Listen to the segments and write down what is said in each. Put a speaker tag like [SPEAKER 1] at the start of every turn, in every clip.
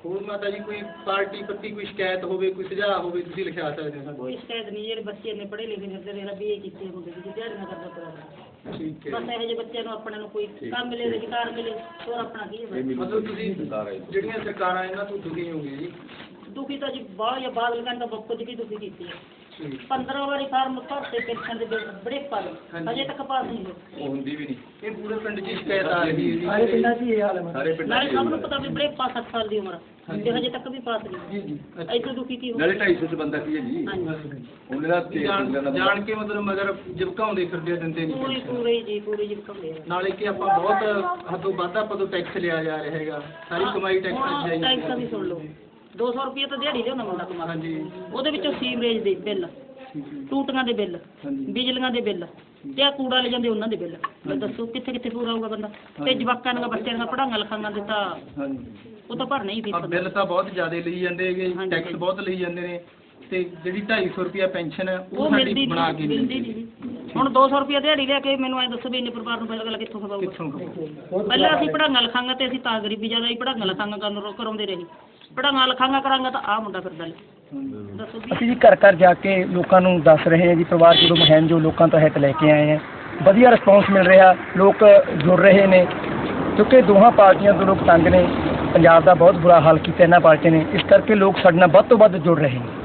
[SPEAKER 1] ਹੋਰ ਮਾਤਾ ਜੀ ਕੋਈ ਪਾਰਟੀ ਪ੍ਰਤੀ ਕੋਈ ਸ਼ਿਕਾਇਤ ਹੋਵੇ, ਕੋਈ ਸੁਝਾਅ ਹੋਵੇ, ਤੁਸੀਂ ਲਿਖਾ ਸਕਦੇ ਹੋ।
[SPEAKER 2] ਕੋਈ ਸ਼ਿਕਾਇਤ ਨਹੀਂ, ਜਿਹੜੇ ਬੱਚੇ ਨੇ ਪੜ੍ਹੇ ਲਿਖੇ ਫਿਰਦੇ ਨੇ BA ਕੀਤੇ ਹੁੰਦੇ ਸੀ, ਦਿਹਾੜੀਆਂ ਕਰਦਾ ਪਿਆ।
[SPEAKER 1] ਠੀਕ ਹੈ।
[SPEAKER 2] ਬਸ ਇਹੋ ਜਿਹੇ ਬੱਚਿਆਂ ਨੂੰ ਆਪਣੇ ਨੂੰ ਕੋਈ ਕੰਮ ਮਿਲੇ, ਰੁਜ਼ਗਾਰ ਮਿਲੇ, ਹੋਰ ਆਪਣਾ ਕੀ ਹੈ।
[SPEAKER 1] ਮਤਲਬ ਤੁਸੀਂ ਜਿਹੜੀਆਂ ਸਰਕਾਰਾਂ ਇਹਨਾਂ ਤੋਂ ਦੁਖੀ ਹੋਗੇ ਜੀ?
[SPEAKER 2] ਦੁਖੀ ਤਾਂ ਜੀ ਬਾਹਰ ਜਾਂ ਬਾਦਲ ਕਹਿੰਦਾ ਬੱਕੋ ਜੀ ਦੁਖੀ ਕੀਤੀ ਹੈ। 15 ਵਾਰੀ ਫਾਰਮ ਭਰਤੇ ਪੈਨਸ਼ਨ ਦੇ ਬੜੇ ਪਾਲੇ, ਅਜੇ ਤੱਕ ਪਾਸ ਨਹੀਂ ਹੋਏ।
[SPEAKER 1] ਉਹ ਹੁੰਦੀ ਵੀ ਨਹੀਂ। ਇਹ ਪੂਰੇ ਪਿੰਡ 'ਚ ਸ਼ਿਕਾਇਤ ਆ ਰਹੀ ਹੈ ਜੀ।
[SPEAKER 2] ਸਾਰੇ ਪਿੰਡਾਂ 'ਚ ਇਹ ਹਾਲ ਹੈ। ਸਾਰੇ ਪਿੰਡਾਂ 'ਚ ਸਭ ਨੂੰ ਪਤਾ ਵੀ ਬੜੇ ਪਾਸ 7 ਸਾਲ ਦੀ ਉਮਰ ਤੇ ਹਜੇ ਤੱਕ ਵੀ ਪਾਸ ਨਹੀਂ। ਜੀ ਜੀ। ਇੱਥੇ ਦੁਖੀ ਕੀ ਹੋ
[SPEAKER 3] ਨਾਲੇ 250 ਚ ਬੰਦਾ ਕੀ ਹੈ ਜੀ। ਉਹਨੇ ਦਾ
[SPEAKER 1] ਜਾਣ ਕੇ ਮਤਲਬ ਮਗਰ ਜਿਵਕਾਉਂਦੇ ਫਿਰਦੇ, ਦਿੰਦੇ ਨਹੀਂ।
[SPEAKER 2] ਪੂਰੇ ਜੀ ਜਿਵਕਾਉਂਦੇ।
[SPEAKER 1] ਨਾਲੇ ਕਿ ਆਪਾਂ ਬਹੁਤ ਹੱਦੋਂ ਵੱਧ ਆਪਾਂ ਤੋਂ ਟੈਕਸ ਲਿਆ ਜਾ ਰਿਹਾ ਹੈਗਾ, ਸਾਰੀ ਕਮਾਈ ਟੈਕਸ ਜਾਈ।
[SPEAKER 2] ਟੈਕਸ ਵੀ ਸੁਣ ਲਓ, 200 ਰੁਪਏ ਤਾਂ ਦਿਹਾੜੀ ਲਿਆਉਂਦਾ ਮੁੰਡਾ ਕਮਾ। ਹਾਂਜੀ। ਉਹਦੇ ਵਿੱਚੋਂ ਸੀਵਰੇਜ ਦੇ ਬਿੱਲ, ਟੂਟੀਆਂ ਦੇ ਬਿੱਲ, ਬਿਜਲੀਆਂ ਦੇ ਬਿੱਲ ਤੇ ਆ ਕੂੜਾ ਲੈ ਜਾਂਦੇ ਉਹਨਾਂ ਦੇ ਬਿੱਲ। ਮੈਂ ਦੱਸੋ ਕਿੱਥੇ ਕਿੱਥੇ ਪੂਰਾ ਹੋਊਗਾ ਬੰਦਾ? ਤੇ ਜਵਾਕਾਂ ਦੀਆਂ ਬੱਚਿਆਂ ਦੀਆਂ ਪੜ੍ਹਾਈਆਂ ਲਿਖਾਈਆਂ ਦੇ ਤਾਂ ਉਹ ਤਾਂ ਭਰਨਾ ਹੀ ਫੀਸ।
[SPEAKER 1] ਬਿੱਲ ਤਾਂ ਬਹੁਤ ਜ਼ਿਆਦਾ ਲਈ ਜਾਂਦੇ ਹੈਗੇ, ਟੈਕਸ ਬਹੁਤ ਲਈ ਜਾਂਦੇ ਨੇ। ਤੇ ਜਿਹੜੀ 250 ਰੁਪਏ ਪੈਨਸ਼ਨ ਹੈ ਉਹ ਸਾਡੀ ਬਣਾ ਕੇ ਮਿਲਦੀ ਨਹੀਂ। ਹੁਣ 200 ਰੁਪਏ ਦਿਹਾੜੀ ਲਿਆ ਕੇ ਮੈਨੂੰ ਐਂ ਦੱਸੋ ਵੀ ਇੰਨੇ ਪਰਿਵਾਰ ਨੂੰ ਪਹਿਲਾਂ ਕਿੱਥੋਂ ਖਵਾਊਗਾ? ਪਹਿਲਾਂ ਅਸੀਂ ਪੜ੍ਹਾਈਆਂ ਲਿਖਾਈਆਂ ਤੇ ਅਸੀਂ ਤਾਂ ਗਰੀਬੀ ਜ਼ਿਆਦਾ ਹੀ ਪੜ੍ਹਾਈਆਂ ਲਿਖਾਈਆਂ ਕਰਾਉਂਦੇ ਰਹੇ। ਪੜ੍ਹਾਈਆਂ ਲਿਖਾਈਆਂ ਕਰਾਂਗਾ ਤਾਂ ਆਹ ਮੁੰਡਾ ਫਿਰਦਾ ਲੈ। ਦੱਸੋ ਜੀ।
[SPEAKER 4] ਅਸੀਂ ਜੀ ਘਰ ਘਰ ਜਾ ਕੇ ਲੋਕਾਂ ਨੂੰ ਦੱਸ ਰਹੇ ਹਾਂ ਜੀ, ਪਰਿਵਾਰ ਜਦੋਂ ਮੁਹਿੰਮ ਜੋ ਲੋਕਾਂ ਤੋਂ ਹਿੱਤ ਲੈ ਕੇ ਆਏ ਹਾਂ, ਵਧੀਆ ਰਿਸਪੌਂਸ ਮਿਲ ਰਿਹਾ, ਲੋਕ ਜੁੜ ਰਹੇ ਨੇ ਕਿਉਂਕਿ ਦੋਹਾਂ ਪਾਰਟੀਆਂ ਤੋਂ ਲੋਕ ਤੰਗ ਨੇ। ਪੰਜਾਬ ਦਾ ਬਹੁਤ ਬੁਰਾ ਹਾਲ ਕੀਤਾ ਇਹਨਾਂ ਪਾਰਟੀਆਂ ਨੇ, ਇਸ ਕਰਕੇ ਲੋਕ ਸਾਡੇ ਨਾਲ ਵੱਧ ਤੋਂ ਵੱਧ ਜੁੜ ਰਹੇ ਨੇ।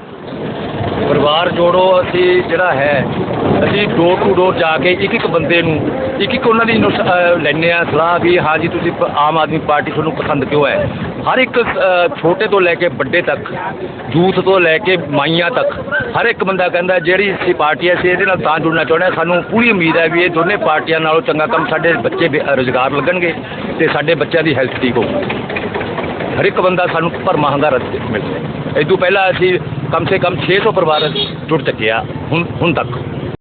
[SPEAKER 3] ਪਰਿਵਾਰ ਜੋੜੋ ਅਸੀਂ ਜਿਹੜਾ ਹੈ, ਅਸੀਂ ਡੋਰ ਟੂ ਡੋਰ ਜਾ ਕੇ ਇੱਕ ਬੰਦੇ ਨੂੰ ਇੱਕ ਉਹਨਾਂ ਦੀ ਲੈਂਦੇ ਹਾਂ ਸਲਾਹ ਵੀ ਹਾਂ ਜੀ ਤੁਸੀਂ ਆਮ ਆਦਮੀ ਪਾਰਟੀ ਤੁਹਾਨੂੰ ਪਸੰਦ ਕਿਉਂ ਹੈ। ਹਰ ਇੱਕ ਛੋਟੇ ਤੋਂ ਲੈ ਕੇ ਵੱਡੇ ਤੱਕ, ਯੂਥ ਤੋਂ ਲੈ ਕੇ ਮਾਈਆਂ ਤੱਕ, ਹਰ ਇੱਕ ਬੰਦਾ ਕਹਿੰਦਾ ਜਿਹੜੀ ਅਸੀਂ ਪਾਰਟੀ ਅਸੀਂ ਇਹਦੇ ਨਾਲ ਤਾਂ ਜੁੜਨਾ ਚਾਹੁੰਦੇ ਹਾਂ। ਸਾਨੂੰ ਪੂਰੀ ਉਮੀਦ ਹੈ ਵੀ ਇਹ ਦੋਨੇ ਪਾਰਟੀਆਂ ਨਾਲੋਂ ਚੰਗਾ ਕੰਮ, ਸਾਡੇ ਬੱਚੇ ਰੁਜ਼ਗਾਰ ਲੱਗਣਗੇ ਤੇ ਸਾਡੇ ਬੱਚਿਆਂ ਦੀ ਹੈਲਥ ਠੀਕ ਹੋਊਗੀ। ਹਰ ਇੱਕ ਬੰਦਾ ਸਾਨੂੰ ਭਰਮਾਂ ਹੁੰਗਾਰਾ ਮਿਲਦਾ। ਇਹ ਤੋਂ ਪਹਿਲਾਂ ਅਸੀਂ ਕਮ ਸੇ ਕਮ 600 ਪਰਿਵਾਰ ਜੁੜ ਚੁੱਕੇ ਆ ਹੁਣ ਤੱਕ।